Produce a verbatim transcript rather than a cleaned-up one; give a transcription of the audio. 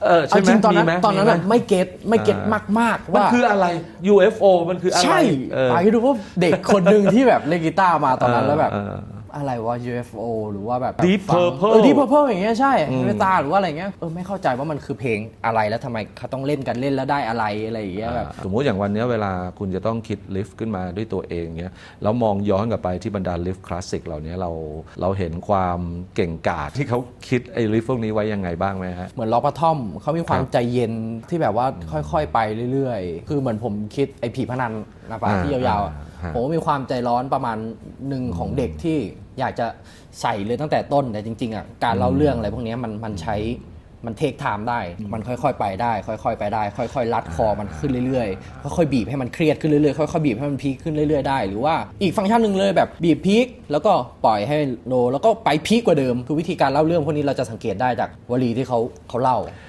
เออใช่ไหมจริงตอนนั้นมีไหมตอนนั้นมีอะไหมไม่เก็ตไม่เก็ตมากมากๆมันว่าคืออะไร ยู เอฟ โอ มันคืออะไรใช่เออไปดูว่าเด็กคนหนึ่งที่แบบเล่นกีตาร์มาตอนนั้นแล้วแบบเอออะไรวะ ยู เอฟ โอ หรือว่าแบบ Deep ฟัง Purple เออ Deep Purple อย่างเงี้ยใช่เมตาหรือว่าอะไรเงี้ยเออไม่เข้าใจว่ามันคือเพลงอะไรแล้วทำไมเขาต้องเล่นกันเล่นแล้วได้อะไรอะไรอย่างเงี้ยแบบสมมุติอย่างวันนี้เวลาคุณจะต้องคิดลิฟต์ขึ้นมาด้วยตัวเองเนี้ยแล้วมองย้อนกลับไปที่บรรดาลิฟต์คลาสสิกเหล่านี้เราเราเห็นความเก่งกาจที่เขาคิดไอ้ลิฟต์พวกนี้ไว้ยังไงบ้างไหมฮะเหมือนล็อกปะท่อมเขามีความครับใจเย็นที่แบบว่าค่อยๆไปเรื่อยๆ คือเหมือนผมคิดไอ้ผีพนันนะปะอ่าที่ยาวๆอะอ่าผมก็มีความใจร้อนประมาณหนึ่งของเด็กที่อยากจะใส่เลยตั้งแต่ต้นแต่จริงๆอ่ะการเล่าเรื่องอะไรพวกนี้มันมันใช้มันเทคไทม์ได้ มันค่อยๆไปได้ ค่อยๆไปได้ ค่อยๆรัดคอมันขึ้นเรื่อยๆค่อยๆบีบให้มันเครียดขึ้นเรื่อยๆค่อยๆบีบให้มันพีคขึ้นเรื่อยๆได้หรือว่าอีกฟังก์ชันหนึ่งเลยแบบบีบพีคแล้วก็ปล่อยให้โลแล้วก็ไปพีคกว่าเดิมคือวิธีการเล่าเรื่องพวกนี้เราจะสังเกตได้จากวลีที่เขาเขาเล่า